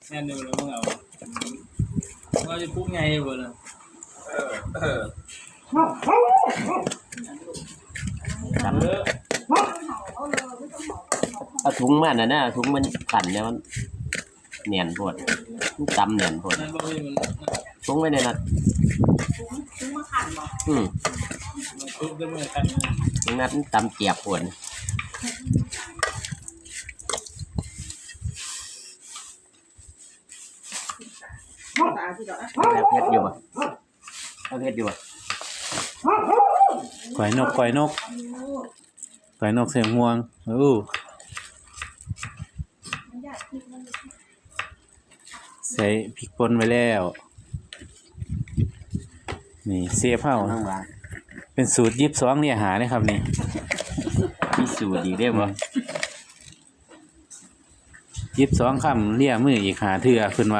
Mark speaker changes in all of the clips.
Speaker 1: แน่นอยู่แล้วมึงเอาเราจะพูดไงบ่ล่ะ
Speaker 2: จำเอาถุงมันนะถุงมันขันเนี่ยมันเนียนปวดจำเนียนปวด
Speaker 1: นั่นบ่มีมัน
Speaker 2: ถุงไว้ในนั้น
Speaker 3: ถุงมาขันบ่
Speaker 1: มันทุบได้มื้อกัน
Speaker 2: ถุงนั้นจำเจียบปวดแล้วเพชรอยู่ป่ะเอาเพชรอยู่ป่ะ
Speaker 4: ก่อยนกเสียงห่วงใส่พริกป่นไว้แล้วนี่เสียบเฮาเป็นสูตร22เนี่ยหาเลยครับนี่
Speaker 2: มีสูตรดีได้ป่ะ
Speaker 4: 22คำเลี่ยมืออีกหาเทื่อเพิ่นว่า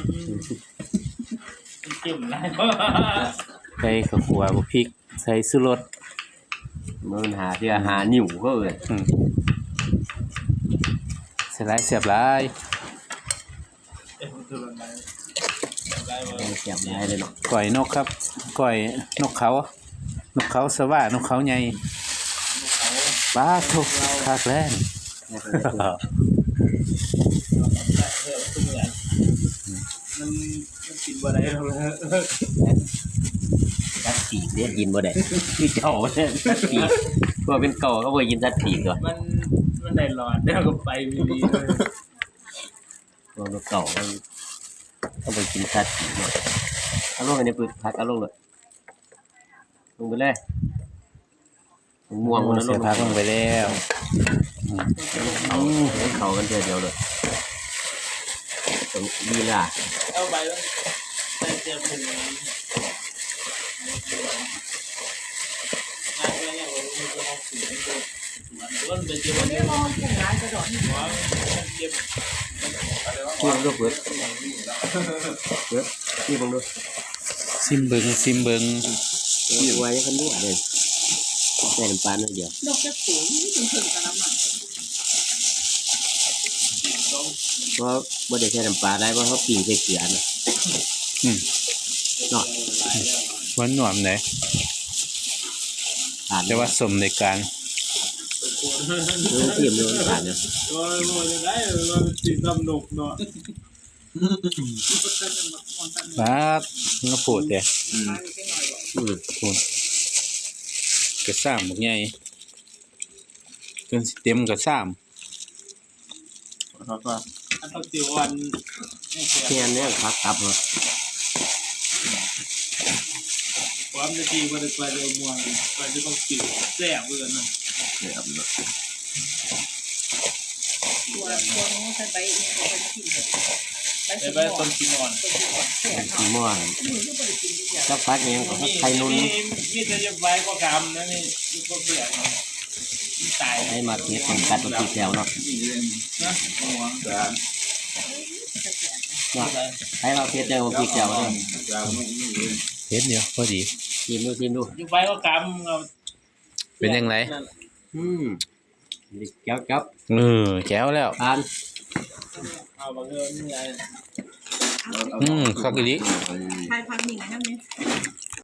Speaker 1: จิ้มได้
Speaker 4: ใส่ข้าวคั่วบ่พริกใส่ชูรส
Speaker 2: มันหาเทื่อหานิ้วก็เลย
Speaker 4: ใส่หลายเสียบหลาย
Speaker 2: เสียบได้เลยเนาะ
Speaker 4: ก่อยนกครับก่อยนกเขาสว่านกเขาใหญ่ปลาทุกคักแล้
Speaker 1: มันกินบ่ได้แล้ว
Speaker 2: สัตว์ปีกเนี่ยกินบ่ได้คือเจ้าเนี่ยสัตว์ปีกพอเป็นเก่าก็บ่กินสัตว์ปีกตัว
Speaker 1: มันได้หลอดแล้วก็ไปมี
Speaker 2: พอเป็นเก่าก็บ่กินสัตว์ปีกเนาะเอาลงไปในปึกพักเอาลงเลยลงไปเลยม่วงมันลง
Speaker 4: พักลงไปแล้ว
Speaker 2: เขากันเดียวเลยตรงนี้ล่ะ
Speaker 1: เอาไปแล้วใส่เจียวผงงานอะไรอย่างเงี้ยมันจะเอาสีมันเป็นเจียวมันมองผงงานกระโดดหัวเก็บ
Speaker 2: กินลูกเบิดกินบังดู
Speaker 4: ซิมเบิง
Speaker 2: มีไว้กันด้วยเลยใส่น้ำปลาหน่อยเดียว
Speaker 3: ดอกจะสูงถึงกันแล้วมั้ง
Speaker 2: เพราะบ่ได้ใช้น้ำปลาได้เพราะเขาปิ้งใส่เกลือนะเนาะ
Speaker 4: วันหนวมไหนแต่ว่าสมในการ
Speaker 2: เทียมเลยผ่านเนี่ย
Speaker 1: โอ้ยโอ้ยได้มันสีดำหนุกเนาะ
Speaker 4: ครับก็พูดเด้พูดกระซ้ำบักใหญ่จนสิเต็มกระซ้
Speaker 1: ครับว่าอันต้องติวัน
Speaker 2: แค่นี้ครับครับเหรอ
Speaker 1: ความจะดีกว่าจะไปเร็วมวยไปจะต้องติดแซ่บเกินนะ
Speaker 2: แซ่บเนาะ
Speaker 3: ตัวนู้นใส่ใบเนี่ยเป็นกินเลย
Speaker 1: ใบต้นกินอ่อน
Speaker 2: กินม่วนสักพักยังไข่นุ่น
Speaker 1: มีแต่จะใบก็กำนะนี่ก็เปลี่ยนตาย
Speaker 2: ให้มาเทียบกันกัดตัวตีแถวเนาะให้เราเทียบเดียวตีแถวเนาะ
Speaker 4: เฮ็ดเดียวพอดี
Speaker 2: ชิมดู
Speaker 1: อยู่ใบก็กำ
Speaker 4: เป็นยังไง
Speaker 2: แก้วแก้
Speaker 4: วแล้ว
Speaker 1: เอาบางเรื่องนี่ไง
Speaker 4: ข้าวกิริ
Speaker 3: ไทยพันหนึ่งนั่นไหม